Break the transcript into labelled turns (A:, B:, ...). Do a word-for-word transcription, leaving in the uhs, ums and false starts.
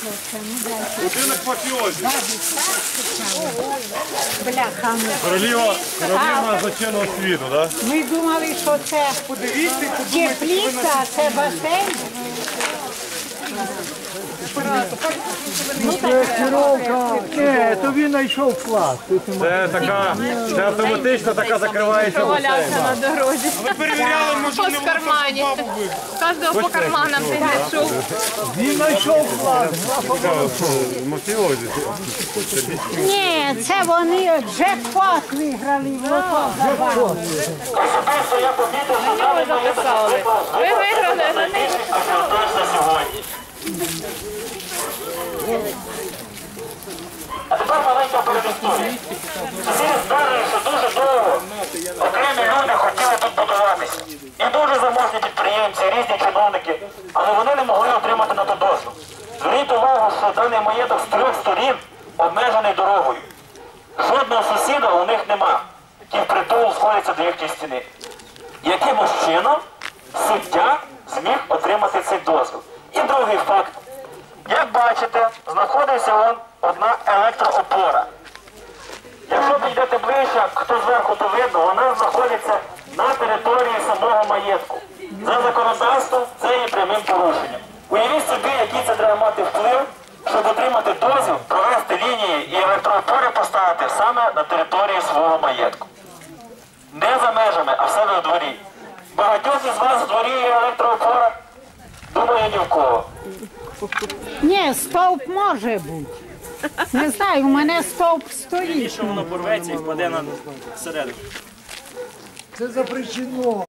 A: Будинок мафіозі.
B: Бляха.
A: Королева, королева злочинного світу, так?
B: Ми думали, що це теплиця, а це басейн.
C: Ні, то він знайшов клас.
A: Це така, це автоматично така закривається
D: Валявся на дорозі.
E: Ми перевіряли, може
D: По кармані. Кожного по карманам ти знайшов.
C: Він знайшов клас.
A: мафіозі.
B: Ні, це вони джекпот виграли в лото за вами.
D: На нього записали. Ви виграли, на них записали.
F: А тепер маленька передісторія. Всі збирали, що дуже довго окремі люди хотіли тут будуватися. І дуже заможні підприємці, різні чиновники, але вони не могли отримати на то дозвіл. Зверніть увагу, що даний маєток з трьох сторін обмежений дорогою. Жодного сусіда у них нема, який впритул сходиться до їхньої стіни. Якимось чином суддя зміг отримати цей дозвіл. І другий факт. Як бачите, знаходиться вон одна електроопора. Якщо підійдете ближче, хто зверху, то видно, вона знаходиться на території самого маєтку. За законодавством це є прямим порушенням. Уявіть собі, який це треба мати вплив, щоб отримати дозвіл, провести лінії і електроопори поставити саме на території свого маєтку. Не за межами, а в себе у дворі. Багатьох із вас в дворі є електроопора? Думаю, ні в кого.
B: Ні, стовп може бути. Не знаю, у мене стовп стоїть.
G: Що воно порветься і впаде на середину.
C: Це запрещено.